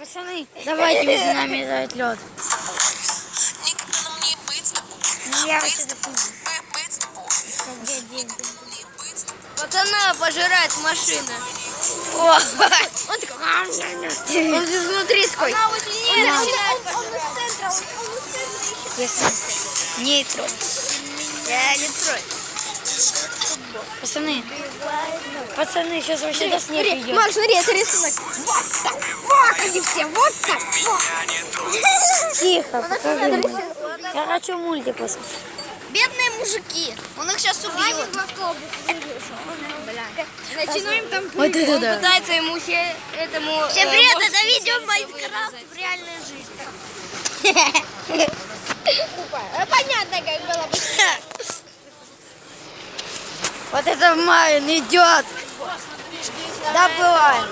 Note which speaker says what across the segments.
Speaker 1: Пацаны, давайте между нами этот лед. Я вообще
Speaker 2: Пацана пожирает машина.
Speaker 1: О,
Speaker 2: Он такой. Он здесь внутри такой. Он из центра.
Speaker 1: если не трой.
Speaker 2: Я не трой.
Speaker 1: Пацаны, сейчас вообще до снега идет.
Speaker 2: Макс, смотри, это рисунок. Вот так. Вот они все. Вот так. Вот.
Speaker 1: Тихо, покажи. Я хочу мультик посмотреть.
Speaker 2: Бедные мужики. Он их сейчас убьет. Начну им там
Speaker 1: Вот это
Speaker 2: Он
Speaker 1: да.
Speaker 2: пытается ему этому...
Speaker 1: Всем привет,
Speaker 2: мостику
Speaker 1: это видео
Speaker 2: всем
Speaker 1: Майнкрафт
Speaker 2: вырезать.
Speaker 1: в реальной жизни.
Speaker 2: Понятно, как было бы.
Speaker 1: Вот это Майен идет. Добываем.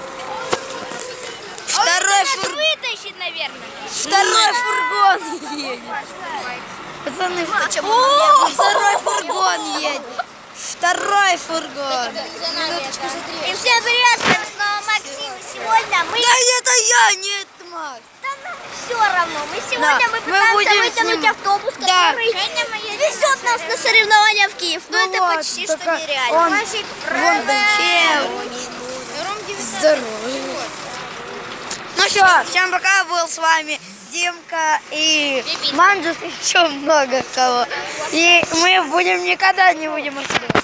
Speaker 2: Вытащит, наверное.
Speaker 1: Второй фургон едет. Пацаны, второй фургон едет. Второй фургон.
Speaker 2: И всем привет, с вами снова Максим. Сегодня мы...
Speaker 1: Да это я, нет, Макс.
Speaker 2: Да нам все равно. Сегодня мы пытаемся
Speaker 1: будем
Speaker 2: вытянуть автобус,
Speaker 1: Да.
Speaker 2: который везет нас на соревнования в Киев. Но
Speaker 1: Ну
Speaker 2: это
Speaker 1: вот,
Speaker 2: почти что
Speaker 1: только
Speaker 2: нереально.
Speaker 1: он- Вон там здоровый. Ну что, всем пока, был с вами Димка и Манджус, и еще много кого. И мы никогда не будем отсюда.